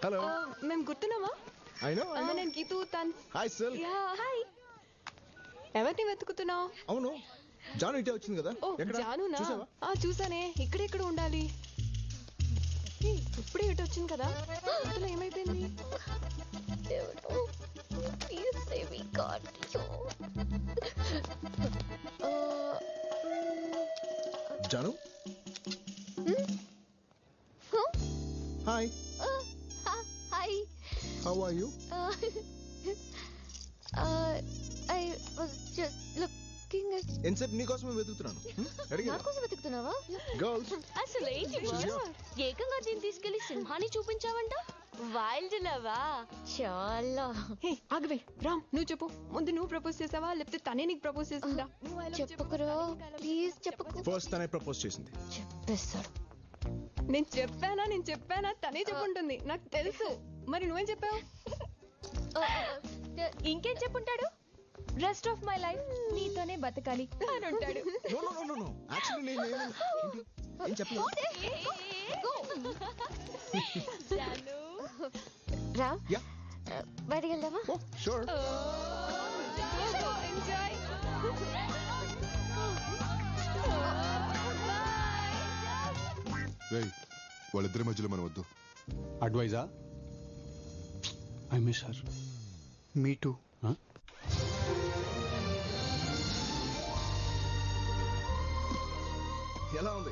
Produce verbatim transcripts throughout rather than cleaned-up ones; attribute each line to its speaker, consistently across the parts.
Speaker 1: Hello
Speaker 2: మేము గుర్తున్నావా?
Speaker 1: I know I know
Speaker 2: నేను గీతూ తన్.
Speaker 1: Hi sir.
Speaker 2: Ya hi. ఎవరిని వెతుకుతున్నావు?
Speaker 1: అవును జాను ఇటే వచ్చింది కదా.
Speaker 2: ఓ జానునా? ఆ చూసానే, ఇక్కడెక్కడ ఉండాలి. ఇప్పుడే ఇటు వచ్చింది కదా, ఇంతలో ఏమైపోయింది?
Speaker 1: Janu hi.
Speaker 3: Hi.
Speaker 1: How are you?
Speaker 3: I was just looking at.
Speaker 1: ఎన్సెప్ నీ కోసమే వెతుకుతున్నాను.
Speaker 3: నా కోసం వెతుకుతున్నావా?
Speaker 1: గర్ల్స్
Speaker 3: అసలు ఏంటి ఏకంగా దీన్ని తీసుకెళ్లి సింహాన్ని చూపించావంట. వైల్డ్ లవా? చాలా.
Speaker 2: హే ఆగవే రామ్, నువ్వు చెప్పు. ముందు నువ్వు ప్రపోజ్ చేసావా లేకపోతే తనే నీకు ప్రపోజ్ చేసిందా?
Speaker 3: చెప్పకురా ప్లీజ్ చెప్పకు.
Speaker 1: ఫస్ట్ తనే ప్రపోజ్ చేసింది.
Speaker 3: చెప్పేస్తాడు.
Speaker 2: నేను చెప్పానా నేను చెప్పానా తనే చెప్పుంటుంది, నాకు తెలుసు. మరి నువ్వేం చెప్పావు?
Speaker 3: ఇంకేం చెప్పుంటాడు? రెస్ట్ ఆఫ్ మై లైఫ్ నీతోనే బతకాలి అని ఉంటాడు.
Speaker 1: No no no no actually నేను ఏం చెప్పలేదు.
Speaker 3: రా బయటికి వెళ్దామా?
Speaker 1: Oh sure.
Speaker 2: ఎంజాయ్.
Speaker 4: రేయ్ వాళ్ళిద్దరి మధ్యలో మనం వద్దు.
Speaker 5: అడ్వైజా? I miss her.
Speaker 4: Me too.
Speaker 1: ఎలా ఉంది?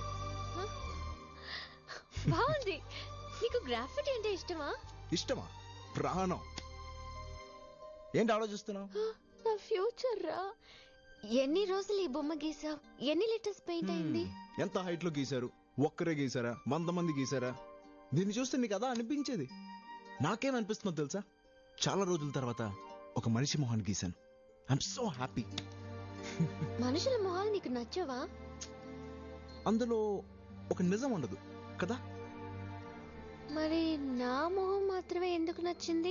Speaker 3: బాగుంది. నీకు గ్రాఫిటీ అంటే ఇష్టమా?
Speaker 1: ఇష్టమా? ప్రాణం. ఏంటి ఆలోచిస్తున్నావు?
Speaker 3: నా ఫ్యూచర్ రా. ఎన్ని రోజులు ఈ బొమ్మ గీసావు? ఎన్ని లీటర్స్ పెయింట్ అయింది?
Speaker 1: ఎంత హైట్ లో గీశారు? ఒక్కరే గీసారా? వంద మంది గీసారా? దీన్ని చూస్తే నీకు అదా అనిపించేది. నాకేమనిపిస్తుందో తెలుసా? చాలా రోజుల తర్వాత ఒక మనిషి మొహాన్ని గీశాను. I'm so happy.
Speaker 3: మనుషుల మొహాలు నీకు నచ్చవా?
Speaker 1: అందులో ఒక నిజం ఉండదు కదా.
Speaker 3: మరి నా మొహం మాత్రమే ఎందుకు నచ్చింది?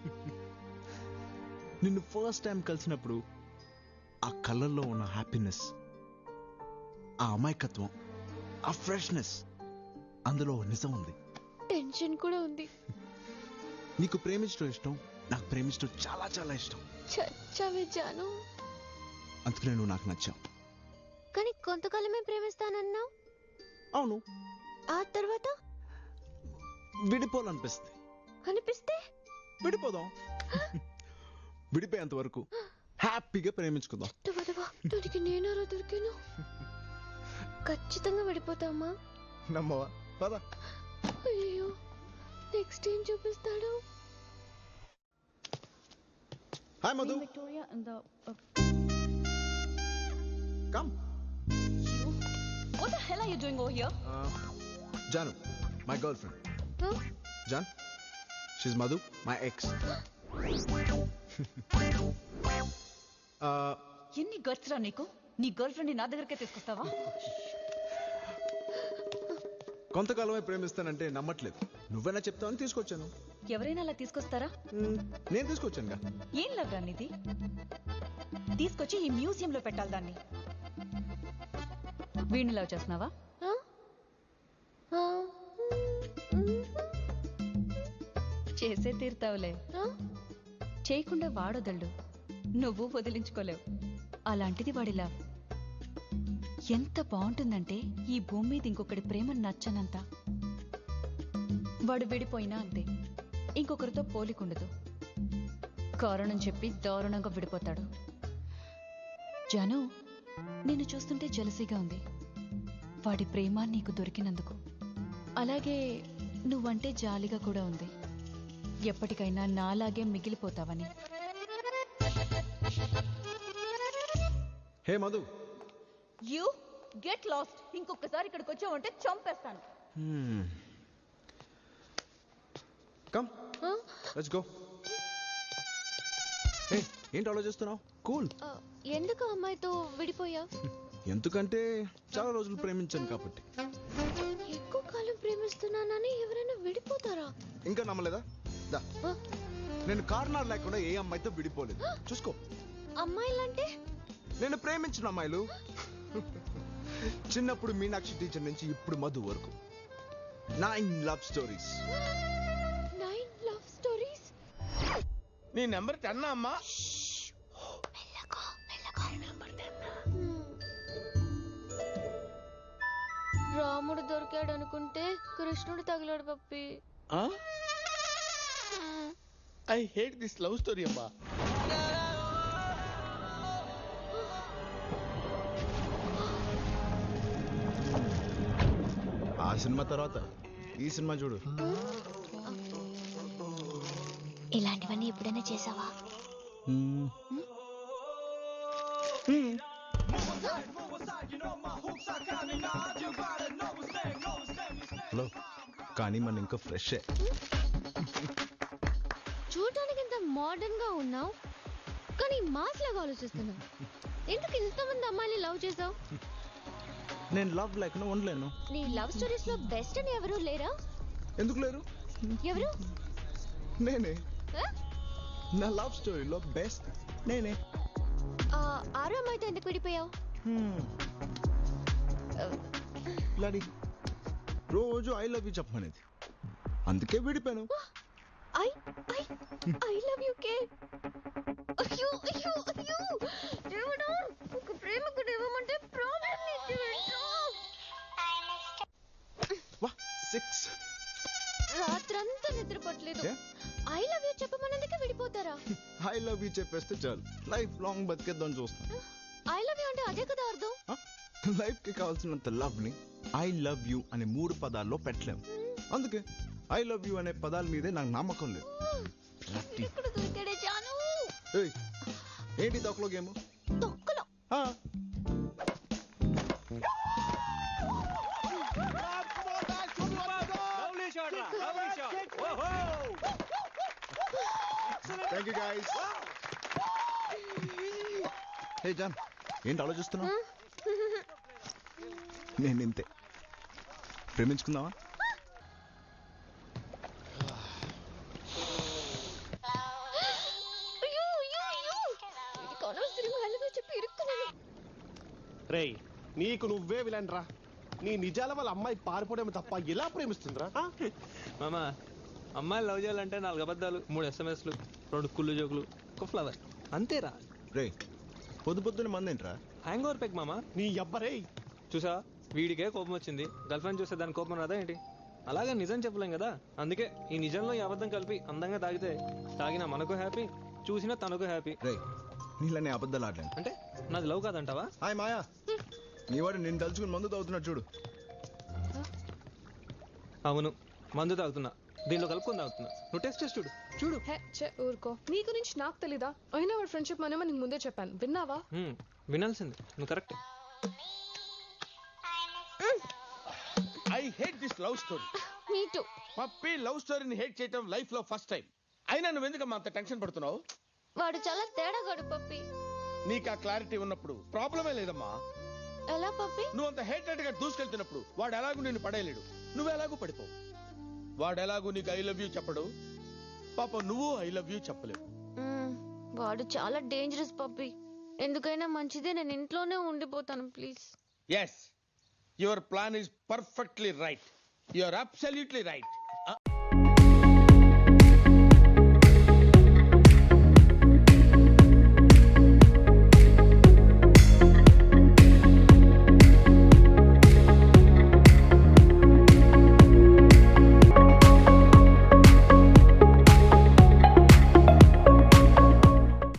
Speaker 1: నిన్ను ఫస్ట్ టైం కలిసినప్పుడు ఆ కళ్ళల్లో ఉన్న హ్యాపీనెస్, ఆ అమాయకత్వం, ఆ ఫ్రెష్నెస్, అందులో నిజం ఉంది.
Speaker 3: టెన్షన్ కూడా ఉంది.
Speaker 1: నీకు ప్రేమించడం ఇష్టం, నాకు ప్రేమించడం చాలా చాలా ఇష్టం.
Speaker 3: చచ్చావే జాను.
Speaker 1: అందుకనే నువ్వు నాకు నచ్చావు.
Speaker 3: కానీ కొంతకాలమే ప్రేమిస్తానన్నావు.
Speaker 1: అవును.
Speaker 3: ఆ తర్వాత
Speaker 1: విడిపోవాలనిపిస్తుంది.
Speaker 3: అనిపిస్తే
Speaker 1: విడిపోదాం. విడిపోయేంత వరకు హ్యాపీగా ప్రేమించుకుందాం.
Speaker 3: దానికి నేనారా దొరికాను. ఖచ్చితంగా విడిపోతామా?
Speaker 1: నమ్మవా? పద.
Speaker 3: అయ్యో నెక్స్ట్ ఏం చూపిస్తాడు?
Speaker 1: Hi Madhu. Come.
Speaker 3: What the hell are you doing over here?
Speaker 1: Janu, my girlfriend.
Speaker 3: Huh?
Speaker 1: Jan, she's Madhu, my ex. uh,
Speaker 6: ఎన్ని గట్స్ రా నీకు? నీ గర్ల్ ఫ్రెండ్ నా దగ్గరకే తీసుకొస్తావా?
Speaker 1: కొంతకాలమే ప్రేమిస్తానంటే నమ్మట్లేదు. నువ్వైనా చెప్తావని తీసుకొచ్చాను.
Speaker 6: ఎవరైనా అలా తీసుకొస్తారా?
Speaker 1: నేను తీసుకొచ్చానుగా.
Speaker 6: ఏం లవ్ రా నీది? తీసుకొచ్చి ఈ మ్యూజియం లో పెట్టాలి దాన్ని. వీడిని లవ్ చేస్తున్నావా? చేసే తీరుతావులే. చేయకుండా వాడొదళ్ళు, నువ్వు వదిలించుకోలేవు. అలాంటిది వాడి లవ్ ఎంత బాగుంటుందంటే ఈ భూమి మీద ఇంకొకటి ప్రేమ నచ్చనంత. వాడు విడిపోయినా అంతే, ఇంకొకరితో పోలికుండదు. కారణం చెప్పి దారుణంగా విడిపోతాడు. జాను, నిన్ను చూస్తుంటే జలసీగా ఉంది వాడి ప్రేమ నీకు దొరికినందుకు. అలాగే నువ్వంటే జాలిగా కూడా ఉంది, ఎప్పటికైనా నాలాగే మిగిలిపోతావని.
Speaker 1: Hey Madhu,
Speaker 6: you get lost. ఇంకొకసారి ఇక్కడికి వచ్చావంటే చంపేస్తాను.
Speaker 1: Come let's go. హే ఏంటి ఆలోచిస్తున్నావు? కూల్.
Speaker 3: ఎందుకు అమ్మాయితో విడిపోయా?
Speaker 1: ఎందుకంటే చాలా రోజులు ప్రేమించాను కాబట్టి.
Speaker 3: ఎక్కువ కాలం ప్రేమిస్తున్నానని ఎవరైనా విడిపోతారా?
Speaker 1: ఇంకా నమ్మలేదా? దా, నేను కారణాలు లేకుండా ఏ అమ్మాయితో విడిపోలేదు. చూసుకో.
Speaker 3: అమ్మాయిలంటే?
Speaker 1: నేను ప్రేమించిన అమ్మాయిలు. చిన్నప్పుడు మీనాక్షి టీచర్ నుంచి ఇప్పుడు మధు వరకు నైన్ లవ్ స్టోరీస్.
Speaker 3: నైన్
Speaker 7: నీ నెంబర్ టెన్ అమ్మా.
Speaker 3: రాముడు దొరికాడు అనుకుంటే కృష్ణుడు తగిలాడు Pappi.
Speaker 7: I hate this love story అమ్మా.
Speaker 1: ఆ సినిమా తర్వాత ఈ సినిమా చూడు.
Speaker 3: ఇలాంటివన్నీ ఎప్పుడైనా చేసావా?
Speaker 1: మ్మ్. హలో, కానీ మన ఇంకా ఫ్రెష్.
Speaker 3: చూడటానికి ఇంత మోడర్న్ గా ఉన్నావు కానీ మాస్ లాగా ఆలోచిస్తున్నావు. ఎందుకు ఇంతమంది అమ్మాయిని లవ్ చేసావు?
Speaker 1: నేను లవ్ లేకుండా ఉండలేను.
Speaker 3: నీ లవ్ స్టోరీస్ లో బెస్ట్ అని ఎవరు లేరా?
Speaker 1: ఎందుకు లేరు?
Speaker 3: ఎవరు?
Speaker 1: నేనే.
Speaker 3: ఆ?
Speaker 1: నా లవ్ స్టోరీలో బెస్ట్ నేనే.
Speaker 3: ఆ, ఆరో అమ్మాయితో ఎందుకు విడిపోయావు?
Speaker 1: లాడి రోజు ఐ లవ్ యూ చెప్పమనేది, అందుకే విడిపోయాను.
Speaker 3: I I I love you కే. అయ్యో అయ్యో అయ్యో దేవుడా, ఒక ప్రేమకుడు ఇవ్వమంటే ప్రాబ్లం ఇచ్చేవేంటో.
Speaker 1: వా సిక్స్.
Speaker 3: రాత్రంతా నిద్రపోట్లేదు.
Speaker 1: ఏ?
Speaker 3: ఐ లవ్ యూ చెప్పమన్నందుకే విడిపోతారా?
Speaker 1: ఐ లవ్ యూ చెప్పేస్తే చాలు, లైఫ్ లాంగ్ బతికేద్దాం చూస్తాను.
Speaker 3: ఐ లవ్ యూ అంటే అదే కదా అర్థం.
Speaker 1: లైఫ్ కి కావాల్సినంత లవ్ ని ఐ లవ్ యూ అనే మూడు పదాల్లో పెట్టలేము. అందుకే ఐ లవ్ యూ అనే పదాల మీదే నాకు నమ్మకం లేదు.
Speaker 3: ఇక్కడ దొరికాడే జాను.
Speaker 1: ఏయ్, ఏంటి తొక్కలో గేమ్?
Speaker 3: తొక్కలో
Speaker 1: థ్యాంక్ యూ గైస్. హే జాన్, ఏంటి ఆలోచిస్తున్నావు? నేను ఇంతే. ప్రేమించుకుందామా?
Speaker 3: అయ్యో అయ్యో అయ్యో, ఇది అనవసరంగా ఐ లవ్ యూ చెప్పి ఇరుక్కున్నాను.
Speaker 8: రేయ్, నీకు నువ్వే విలన్ రా. నీ నిజాల వాళ్ళ అమ్మాయి పారిపోవడం తప్ప ఎలా ప్రేమిస్తుందిరా?
Speaker 9: మామా, అమ్మాయిలు లవ్ చేయాలంటే నాలుగు అబద్ధాలు, మూడు ఎస్ఎంఎస్లు, రెండు కుళ్ళు జోకులు, ఒక ఫ్లవర్, అంతేరా.
Speaker 1: రే, పొద్దు పొద్దున మంది ఏంట్రా?
Speaker 9: హ్యాంగ్ ఓవర్ పెక్ మామా.
Speaker 8: నీ అబ్బరే.
Speaker 9: చూసా, వీడికే కోపం వచ్చింది, గర్ల్ ఫ్రెండ్ చూస్తే దాని కోపం రాదా ఏంటి? అలాగే నిజం చెప్పలేం కదా, అందుకే ఈ నిజంలో ఈ అబద్ధం కలిపి అందంగా తాగితే తాగినా మనకు హ్యాపీ, చూసినా తనకు హ్యాపీ.
Speaker 1: రే, నీళ్ళని అబద్ధాలు ఆడలేను.
Speaker 9: అంటే నాది లవ్ కాదంటావా?
Speaker 1: హాయ్ మాయా, నీ వాడు నేను తలుచుకుని మందు తాగుతున్నాడు చూడు.
Speaker 9: అవును, మందు తాగుతున్నా, దీనిలో కలుపుకొని తాగుతున్నా. నువ్వు టెస్ట్ చేసి చూడు చూడు.
Speaker 2: హే చే ఊరుకో, నీ గురించి నాకు తెలీదా? అయినా వాడు ఫ్రెండ్షిప్ మనమే నీకు ముందే చెప్పాను, విన్నావా?
Speaker 9: హ్మ్, వినాల్సింది, నువ్వు correct.
Speaker 7: I hate this love story.
Speaker 3: Me too.
Speaker 7: Pappi love స్టోరీని హేట్ చేయటం లైఫ్ లో ఫస్ట్ టైం. అయినా నువ్వు ఎందుకమ్మా అంత టెన్షన్ పడుతున్నావు?
Speaker 3: వాడు చాలా తేడాగాడు పప్పి.
Speaker 7: నీకు ఆ క్లారిటీ ఉన్నప్పుడు ప్రాబ్లమే లేదమ్మా.
Speaker 3: ఎలా పప్పి?
Speaker 7: నువ్వు అంత హేటెడ్ గా దూసుకెళ్తున్నప్పుడు వాడు ఎలాగూ నిన్ను పడేయలేడు, నువ్వు ఎలాగూ పడిపోవు. వాడు ఎలాగూ నీకు ఐ లవ్ యూ చెప్పడు, పాప నువ్వు ఐ లవ్ యూ చెప్పలేవు.
Speaker 3: మ్మ్, వాడు చాలా డేంజరస్ పప్పి. ఎందుకైనా మంచిదే నేను ఇంట్లోనే ఉండిపోతాను please.
Speaker 7: Yes, your plan is perfectly right. You are absolutely right.